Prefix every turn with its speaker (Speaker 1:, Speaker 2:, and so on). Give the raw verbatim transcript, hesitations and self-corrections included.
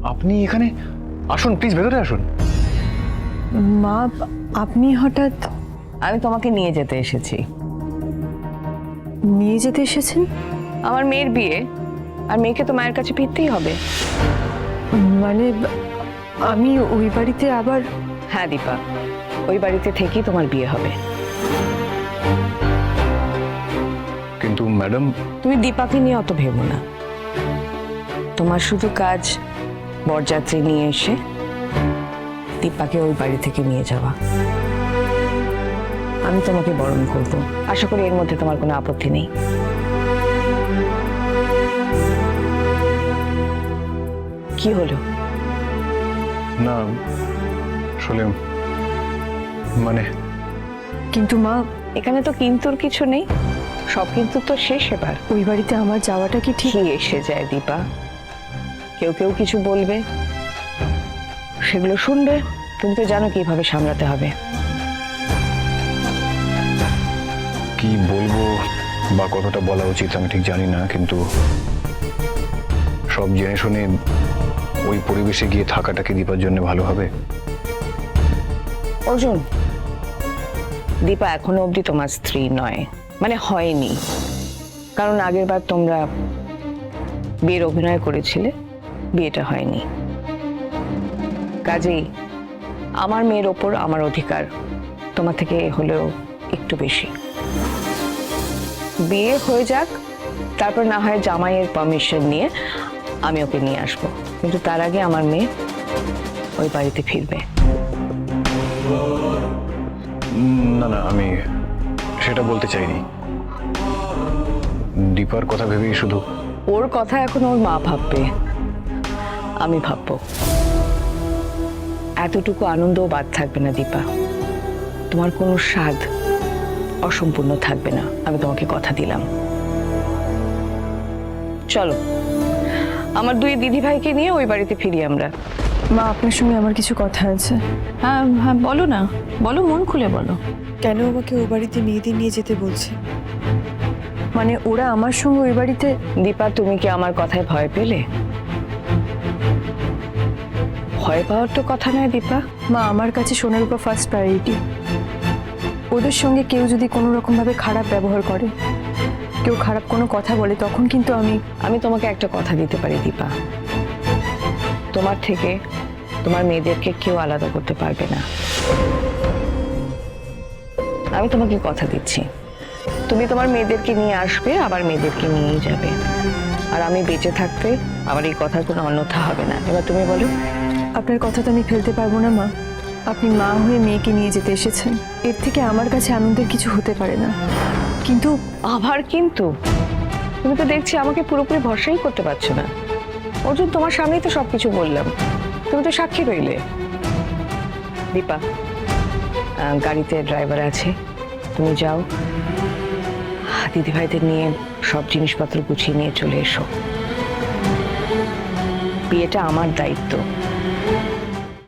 Speaker 1: আপনি এখানে আসুন, প্লিজ ভেতরে আসুন।
Speaker 2: মা, আপনি হঠাৎ?
Speaker 3: আমি তোমাকে নিয়ে যেতে এসেছি।
Speaker 2: নিয়ে যেতে এসেছেন?
Speaker 3: আমার মেয়ের বিয়ে, আর মেয়েকে তো মায়ের কাছে ফিরতেই হবে।
Speaker 2: মানে আমি ওই বাড়িতে আবার?
Speaker 3: হ্যাঁ দীপা, ওই বাড়িতে থেকেই তোমার বিয়ে হবে।
Speaker 1: কিন্তু ম্যাডাম,
Speaker 3: তুমি দীপাকে নিয়ে অত ভেবো না। তোমার শুধু কাজ বরযাত্রী নিয়ে এসে দীপাকে ওই বাড়ি থেকে নিয়ে যাওয়া। আমি তোমাকে বরণ করব, আশা করি এর মধ্যে তোমার কোনো আপত্তি নেই। কি হলো?
Speaker 1: না আসলে মানে
Speaker 2: কিন্তু মা,
Speaker 3: এখানে তো কিন্তুর কিছু নেই, সব কিন্তু তো শেষ। এবার
Speaker 2: ওই বাড়িতে আমার যাওয়াটা কি ঠিক?
Speaker 3: কি এসে যায় দীপা, কেউ কেউ কিছু বলবে, সেগুলো শুনবে। তুমি তো জানো কিভাবে সামলাতে হবে।
Speaker 1: কি বলবো বা কতটা বলা উচিত আমি ঠিক জানি না, কিন্তু সব জেনে শুনে ওই পরিবেশে গিয়ে থাকাটা কি দীপার জন্য ভালো হবে?
Speaker 3: অর্জুন, দীপা এখনো অবধি তোমার স্ত্রী নয়, মানে হয়নি। কারণ আগের বার তোমরা বিয়ের অভিনয় করেছিলে, বিয়েটা হয়নি। কাজেই আমার মেয়ের ওপর আমার অধিকার তোমার থেকে হলেও একটু বেশি। বিয়ে হয়ে যাক, তারপর না হয় জামাইয়ের পারমিশন নিয়ে আমি ওকে নিয়ে আসবো, কিন্তু তার আগে আমার মেয়ে ওই বাড়িতে ফিরবে।
Speaker 1: না না, আমি সেটা বলতে চাইনি। দীপার কথা ভেবেই শুধু।
Speaker 3: ওর কথা এখন ওর মা ভাববে, আমি ভাববো। এতটুকু আনন্দও বাদ থাকবে না দীপা, তোমার কোনো স্বাদ অসম্পূর্ণ থাকবে না, আমি তোমাকে কথা দিলাম। চলো, আমার দুই দিদি ভাইকে নিয়ে ওই বাড়িতে ফিরি আমরা।
Speaker 2: মা, আপনার সঙ্গে আমার কিছু কথা আছে।
Speaker 3: হ্যাঁ হ্যাঁ, বলো না, বলো, মন খুলে বলো।
Speaker 2: কেন আমাকে ওই বাড়িতে মেয়েদের নিয়ে যেতে বলছে? মানে ওরা আমার সঙ্গে ওই বাড়িতে?
Speaker 3: দীপা, তুমি কি আমার কথায় ভয় পেলে? ভয় পাওয়ার তো কথা নয় দীপা।
Speaker 2: মা, আমার কাছে সোনার উপর ফার্স্ট প্রায়োরিটি। ওদের সঙ্গে কেউ যদি কোনো রকম ভাবে খারাপ ব্যবহার করে, কেউ খারাপ কোনো কথা বলে, তখন কিন্তু আমি
Speaker 3: আমি তোমাকে একটা কথা দিতে পারি দীপা, তোমার থেকে তোমার মেয়েদেরকে কেউ আলাদা করতে পারবে না। আমি তোমাকে কথা দিচ্ছি, তুমি তোমার মেয়েদেরকে নিয়ে আসবে, আবার মেয়েদেরকে নিয়েই যাবে। আর আমি বেঁচে থাকতে আমার এই কথার কোনো অন্যথা হবে না। এবার তুমি বলো।
Speaker 2: আপনার কথা তো আমি ফেলতে পারবো না মা। আপনি মা হয়ে মেয়েকে নিয়ে যেতে এসেছেন, এর থেকে আমার কাছে আনন্দের কিছু হতে পারে না। কিন্তু
Speaker 3: আবার কিন্তু তুমি তো দেখছি আমাকে পুরোপুরি ভরসাই করতে পারছো না। অর্জুন, তোমার সামনেই তো সবকিছু বললাম, তুমি তো সাক্ষী রইলে। দীপা, আহ, গাড়িতে ড্রাইভার আছে, তুমি যাও, দিদি ভাইদের নিয়ে সব জিনিসপত্র গুছিয়ে নিয়ে চলে এসো। বিয়েটা আমার দায়িত্ব,